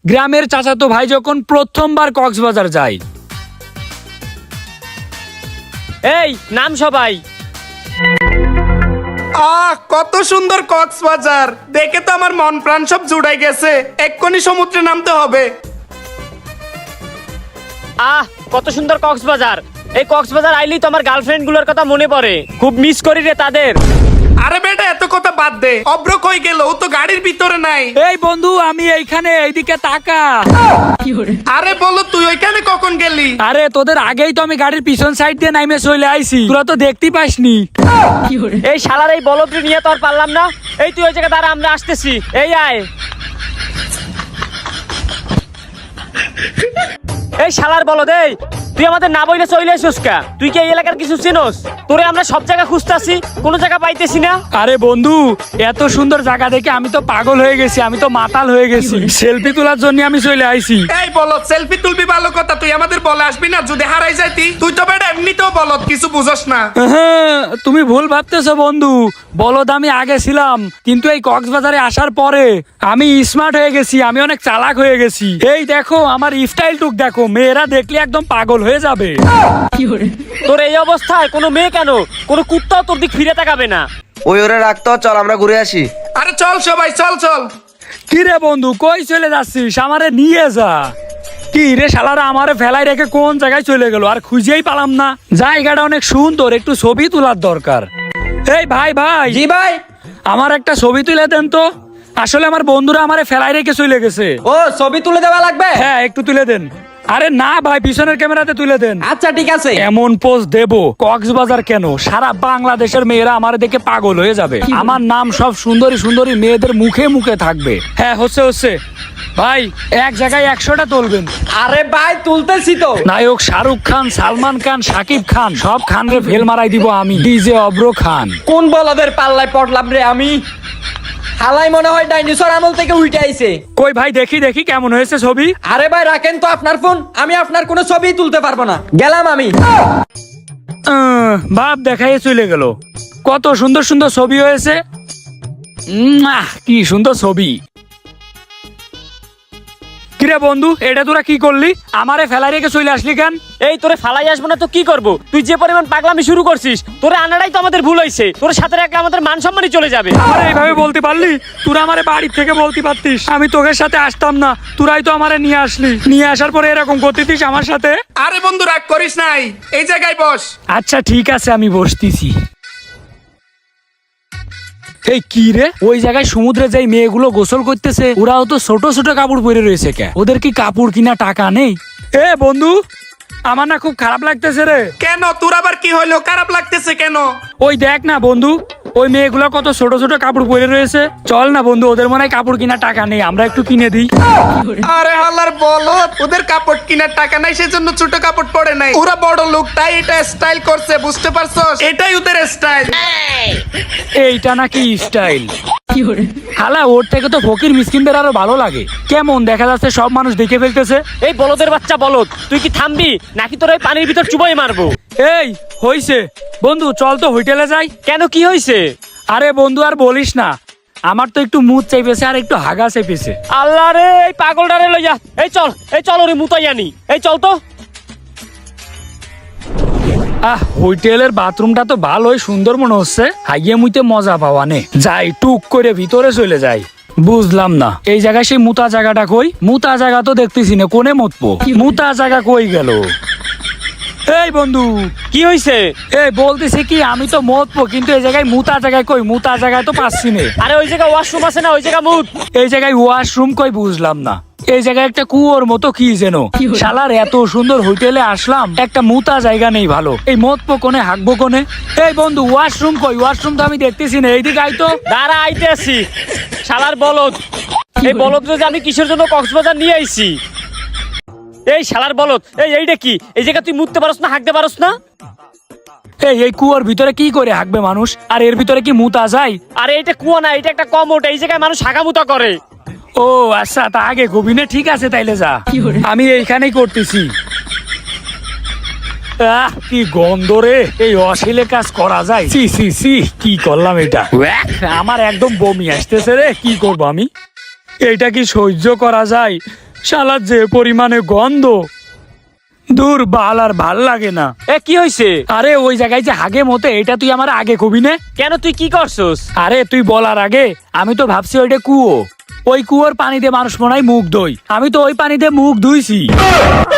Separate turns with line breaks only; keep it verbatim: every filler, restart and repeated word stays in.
গ্রামের চাচাতো ভাই যখন প্রথমবার কক্সবাজার যায়।
এই নাম সবাই।
আহ কত সুন্দর কক্সবাজার, দেখে তো আমার মন প্রাণ সব জুড়াই গেছে। এক্ষুনি সমুদ্রে নামতে হবে।
আহ কত সুন্দর কক্সবাজার। এই কক্সবাজার আইলেই তো আমার গার্লফ্রেন্ড গুলোর কথা মনে পড়ে, খুব মিস করি রে তাদের।
আরে বেটা এত কথা বাদ দে, অব্র কই গেল? ও তো গাড়ির ভিতরে নাই।
এই বন্ধু আমি এইখানে, এইদিকে তাকা।
আরে বলো তুই ওইখানে কখন গেলি?
আরে তোদের আগেই তো আমি গাড়ির পিছন সাইড দিয়ে নাইমে চলে আইছি, তোরা তো দেখতেই পাসনি।
এই শালার এই বলদরি নিয়ে তো আর পারলাম না। এই তুই ওই জায়গা দাঁড়া, আমরা আসতেছি। এই আয়। এই শালার বলদ, এই তুই আমাদের না বইলে চলে আসিস কা? তুই কি এই এলাকার কিছু চিনোস? তোরে আমরা সব জায়গা খুঁজতাছি, কোনো জায়গা পাইতেছি না।
আরে বন্ধু এত সুন্দর জায়গা দেখে আমি তো পাগল হয়ে গেছি, আমি তো মাতাল হয়ে গেছি। সেলফি তোলার জন্য আমি চলে আইছি।
এই বলো সেলফি তুলবি ভালো কথা, তুই আমাদের বলে আসবি না? যদি হারাই যাইতি, তুই তো বেটা এমনিতেও বলত, কিছু বুঝস না।
হ্যাঁ, তুমি ভুল ভাবতেছো বন্ধু। বলদ আমি আগে ছিলাম, কিন্তু এই কক্সবাজারে আসার পরে আমি স্মার্ট হয়ে গেছি, আমি অনেক চালাক হয়ে গেছি। এই দেখো আমার স্টাইল টুক দেখো, মেয়েরা দেখলে একদম পাগল হয়ে যাবে।
তোর এই অবস্থায় কোনো মেয়ে কেন, কোনো কুত্তাও তোর দিক ফিরে তাকাবে না।
ওই ওরে রাখতো, চল আমরা ঘুরে আসি।
আরে চল সবাই, চল চল।
কি রে বন্ধু কই চলে যাচ্ছিস? আমারে নিয়ে যা। কি রে শালারা আমারে ফেলাই রেখে কোন জায়গায় চলে গেল, আর খুঁজেই পালাম না। জায়গাটা অনেক সুন্দর, একটু ছবি তোলার দরকার। এই ভাই ভাই।
জি ভাই।
আমার একটা ছবি তুলে দেন তো। আসলে আমার বন্ধুরা আমারে ফেলাই রেখে চলে গেছে।
ও ছবি তুলে দেওয়া লাগবে?
হ্যাঁ একটু তুলে দেন। আরে না ভাই, পিছনের ক্যামেরাতে তুলে দেন।
আচ্ছা ঠিক আছে।
এমন পোজ দেব কক্সবাজার কেন, সারা বাংলাদেশের মেয়েরা আমার দেখে পাগল হয়ে যাবে। আমার নাম সব সুন্দরী সুন্দরী মেয়েদের মুখে মুখে থাকবে। হ্যাঁ হচ্ছে হচ্ছে ভাই, এক জায়গায় একশোটা তুলবেন।
আরে ভাই তুলতেছি তো।
নায়ক শাহরুখ খান, সালমান খান, শাকিব খান, সব খান রে ফেল মারাই দিব আমি। ডিজে অব্র খান।
কোন বলদের পাল্লায় পড়লাম রে আমি? হালাই মনে হয় ডাইনোসর আমল থেকে উঠে আইছে।
কই ভাই দেখি দেখি কেমন হয়েছে ছবি।
আরে ভাই রাখেন তো আপনার ফোন, আমি আপনার কোনো ছবি তুলতে পারবো না, গেলাম আমি।
আহ, বাপ দেখাই চলে গেল। কত সুন্দর সুন্দর ছবি হয়েছে। উম, আহ, কি সুন্দর ছবি। কিরে বন্ধু এটা তোরা কি করলি? আমারে ফেলাই রেখে চলে আসলি কেন?
এই তোরে ফালাই আসবো না তো কি করবো? তুই যে পরিমাণ পাগলামি শুরু করছিস, তোরে আনাটাই তো আমাদের ভুল হয়েছে। তোর সাথে রাখলে আমাদের মান সম্মানই চলে যাবে।
আরে এইভাবে বলতে পারলি? তোরা আমারে বাড়ি থেকে বলতে পারতিস, আমি তোদের সাথে আসতাম না। তোরাই তো আমারে নিয়ে আসলি, নিয়ে আসার পরে এরকম করতেছিস আমার সাথে।
আরে বন্ধু রাগ করিস নাই, এই জায়গায় বস।
আচ্ছা ঠিক আছে আমি বসতেছি। এই কি রে, ওই জায়গায় সমুদ্রে যাই মেয়েগুলো গোসল করতেছে, ওরাও তো ছোট ছোট কাপড় পরে রয়েছে। কে ওদের কি কাপড় কিনা টাকা নেই? এ বন্ধু আমার না খুব খারাপ লাগতেছে রে।
কেন তোর আবার কি হইলো? খারাপ লাগতেছে কেন?
ওই দেখ না বন্ধু, ওই মেয়েগুলো কত ছোট ছোট কাপড় পরে রয়েছে। চল না বন্ধু, ওদের মনে হয় কাপড় কিনা টাকা নেই, আমরা একটু কিনে দিই।
আরে হাল্লার বলো, ওদের কাপড় কিনার টাকা নাই সেজন্য ছোট কাপড় পরে নাই। ওরা বড় লোক তাই এটা স্টাইল করছে, বুঝতে পারছস? এটাই ওদের স্টাইল।
এইটা নাকি স্টাইল? হালা ওর থেকে তো ফকির মিসকিনদের আরো ভালো লাগে। কেমন দেখা যাচ্ছে, সব মানুষ দেখে ফেলতেছে।
এই বলদের বাচ্চা বলদ, তুই কি থামবি নাকি তোর ওই পানির ভিতর চুবাই মারবো?
এই হইছে বন্ধু, চল তো হোটেলে যাই।
কেন কি হয়েছে?
আরে বন্ধু আর বলিস না, আমার তো একটু মুদ চাইপেছে আর একটু হাগা চাইপেছে।
আল্লাহ রে, এই পাগলটারে লইয়া এই চল, এই চল ওরে মুতাই আনি। এই চল তো।
আহ হোটেলের বাথরুমটা তো ভালোই সুন্দর মনে হচ্ছে, হাইয়ে মুইতে মজা পাওয়া নে। যাই টুক করে ভিতরে চলে যাই। বুঝলাম না এই জায়গায় সেই মুতা জায়গাটা কই? মুতা জায়গা তো দেখতেছি না, কোনে মুতবো? মুতা জায়গা কই গেল? এই বন্ধু
কি হয়েছে?
এই বলতেছি কি, আমি তো মুতবো কিন্তু এই জায়গায় মুতা জায়গায় কই? মুতা জায়গায় তো পাচ্ছি না।
আরে ওই জায়গায় ওয়াশরুম আছে না, ওই জায়গা মুত।
এই জায়গায় ওয়াশরুম কই? বুঝলাম না। এই জায়গায় একটা কুয়োর মতো কি যেন। শালার এত সুন্দর হোটেলে আসলাম, একটা মুতা জায়গা নেই ভালো। এই মতবো কোনে, হাঁকবো কোনে? এই বন্ধু ওয়াশরুম কই? ওয়াশরুম তো আমি দেখতেছি না, এইদিকে আই তো।
দাঁড়া আইতে আসি। শালার বলদ, এই বলদ যে আমি কিসের জন্য কক্সবাজার নিয়ে আইছি? এই শালার বলদ, এই এইটা কি? এই জায়গা তুই মুততে পারস না, হাঁকতে পারস না?
এই এই কুয়োর ভিতরে কি করে হাঁকবে মানুষ? আর এর ভিতরে কি মুতা যায়?
আরে এটা কুয়া না, এটা একটা কমোট। এই জায়গায় মানুষ হাঁকামুতা করে।
ও আচ্ছা, তা আগে গোবিনে ঠিক আছে, তাইলে যা, আমি এইখানেই করতেছি। আহ কি গন্ধ রে, এই অশ্লীল কাজ করা যায়? সি সি সি, কি করলাম এটা? ওয়াক, আমার একদম বমি আসতেছে রে, কি করব আমি? এটা কি সহ্য করা যায়? শালা যে পরিমাণে গন্ধ, দূর বাল আর ভাল লাগে না।
এ কি হয়েছে?
আরে ওই জায়গায় যে হাগে মতে, এটা তুই আমার আগে কবি নে।
কেন তুই কি করছস?
আরে তুই বলার আগে আমি তো ভাবছি ওইটা কুয়ো, ওই কুয়োর পানিতে মানুষ মনে হয় মুখ ধোয়, আমি তো ওই পানিতে মুখ ধুইছি।